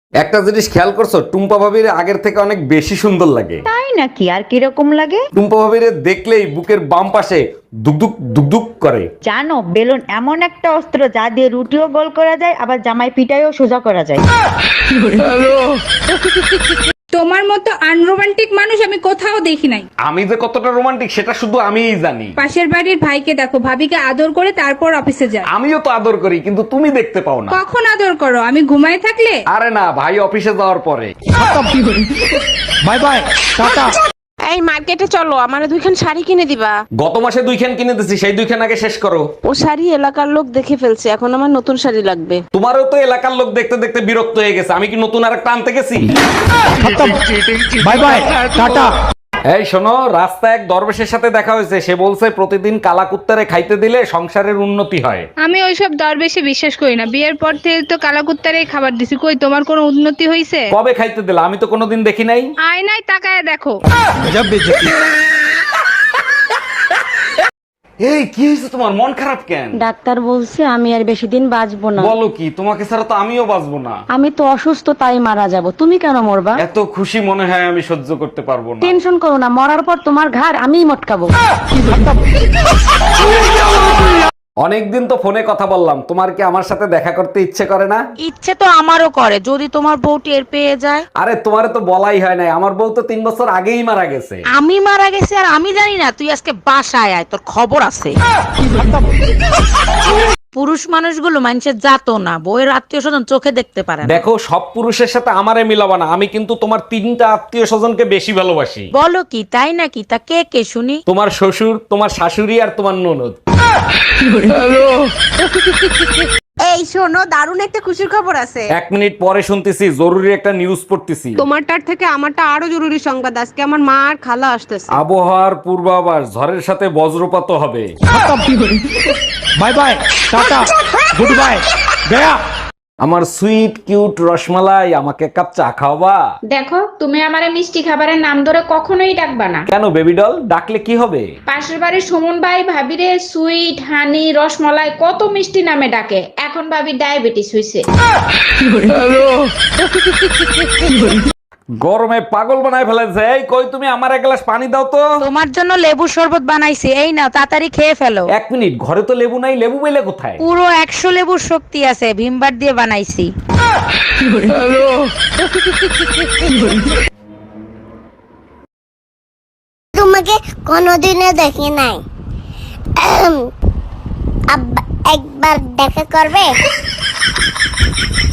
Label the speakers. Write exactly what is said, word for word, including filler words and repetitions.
Speaker 1: একটা জিনিস খেয়াল করছো, টুম্পা ভাবির আগের থেকে অনেক বেশি সুন্দর লাগে।
Speaker 2: তাই নাকি? আর কিরকম লাগে?
Speaker 1: টুম্পা ভাবির দেখলেই বুকের বাম পাশে দুকদুক দুকদুক করে।
Speaker 2: জানো, বেলুন এমন একটা অস্ত্র যা দিয়ে রুটিও গোল করা যায়, আবার জামাই পিটাইও সোজা করা যায়।
Speaker 3: তোমার মতো আনরোমান্টিক মানুষ আমি কোথাও দেখি নাই।
Speaker 1: আমি যে কতটা রোমান্টিক সেটা শুধু আমিই জানি।
Speaker 3: পাশের বাড়ির ভাইকে দেখো, ভাবিকে আদর করে তারপর অফিসে যায়।
Speaker 1: আমিও তো আদর করি, কিন্তু তুমি দেখতে পাও না।
Speaker 3: কখন আদর করো? আমি ঘুমায় থাকলে?
Speaker 1: আরে না, ভাই অফিসে যাওয়ার পরে।
Speaker 4: Bye bye, tata.
Speaker 5: এই মার্কেটে চলো, আমারে দুইখান শাড়ি কিনে দিবা।
Speaker 1: গত মাসে দুইখান কিনে দিছি, সেই দুইখান আগে শেষ করো।
Speaker 5: ও শাড়ি এলাকার লোক দেখে ফেলছে, এখন আমার নতুন শাড়ি লাগবে।
Speaker 1: তোমারও তো এলাকার লোক দেখতে দেখতে বিরক্ত হয়ে গেছে, আমি কি নতুন আর একটা আনতে গেছি?
Speaker 4: Bye bye, tata.
Speaker 1: এই শোনো, রাস্তায় এক দরবেশের সাথে দেখা হয়েছে। সে বলছে প্রতিদিন কালাকুত্তারে খাইতে দিলে সংসারের উন্নতি হয়।
Speaker 3: আমি ওইসব দরবেশে বিশ্বাস করি না। বিয়ের পর থেকে তো কালাকুত্তারেই খাবার দিছি, কই তোমার কোনো উন্নতি হইছে?
Speaker 1: কবে খাইতে দিলা? আমি তো কোনোদিন দেখি নাই।
Speaker 3: আয়নায় তাকায় দেখো।
Speaker 1: এই কি হয়েছে তোমার? মন খারাপ কেন?
Speaker 6: ডাক্তার বলছে আমি আর বেশি দিন বাঁচবো না।
Speaker 1: বলো কি? তোমাকে ছাড়া তো আমিও বাঁচবো না।
Speaker 6: আমি তো অসুস্থ, তাই মারা যাব। তুমি কেন মরবা?
Speaker 1: এত খুশি মনে হয় আমি সহ্য করতে পারবো না।
Speaker 6: টেনশন করো না, মরার পর তোমার ঘাড় আমিই মটকাবো।
Speaker 1: অনেকদিন তো ফোনে কথা বললাম, তোমার কি আমার সাথে দেখা করতে ইচ্ছে করে না?
Speaker 5: ইচ্ছে তো আমারও করে, যদি তোমার বউ টের পেয়ে যায়।
Speaker 1: আরে তোমারে তো বলাই হয় নাই, আমার বউ তো তিন বছর আগেই মারা গেছে।
Speaker 5: আমি মারা গেছি আর আমি জানি না? তুই আজকে বাসায় আয়, তোর খবর আছে। পুরুষ মানুষগুলো মানুষের জাতো না, বউয়ের আত্মীয় স্বজন চোখে দেখতে পারে না।
Speaker 1: দেখো, সব পুরুষের সাথে আমারে মিলাবা না। আমি কিন্তু তোমার তিনটা আত্মীয় স্বজনকে বেশি ভালোবাসি।
Speaker 5: বলো কি? তাই নাকি? তা কে কে শুনি?
Speaker 1: তোমার শ্বশুর, তোমার শাশুড়ি আর তোমার ননদ।
Speaker 7: এই শোনো, দারুণ একটা খুশির খবর আছে।
Speaker 1: এক মিনিট পরে শুনতেছি, জরুরি একটা নিউজ পড়তেছি।
Speaker 7: তোমারটার থেকে আমারটা আরো জরুরি সংবাদ। আজকে আমার মা আর খালা আসতেছে।
Speaker 1: আবহাওয়ার পূর্বাভাস, ঝড়ের সাথে বজ্রপাত হবে।
Speaker 4: বাই বাই, টাটা, গুড বাই, গয়া।
Speaker 1: আমার সুইট কিউট রসমালাই, আমাকে এক কাপ চা খাওয়াবা?
Speaker 8: দেখো, তুমি আমারে মিষ্টি খাবারের নাম ধরে কখনোই ডাকবা না।
Speaker 1: কেন বেবি ডল? ডাকলে কি হবে?
Speaker 8: পাশের বাড়ির সুমন ভাই ভাবিরে সুইট, হানি, রসমালাই কত মিষ্টি নামে ডাকে। এখন ভাবি ডায়াবেটিস হইছে।
Speaker 1: গরমে পাগল বানায় ফেলেছে। এই কই, তুমি আমার এক গ্লাস পানি দাও তো।
Speaker 5: তোমার জন্য লেবু শরবত বানাইছি, এই নাও তাড়াতাড়ি খেয়ে ফেলো।
Speaker 1: এক মিনিট, ঘরে তো লেবু নাই। লেবু পেলে কোথায়?
Speaker 5: পুরো একশো লেবুর শক্তি আছে, ভিমবার দিয়ে বানাইছি।
Speaker 9: তোমাকে কোনোদিনও দেখি নাই, আব্বা একবার দেখা করবে?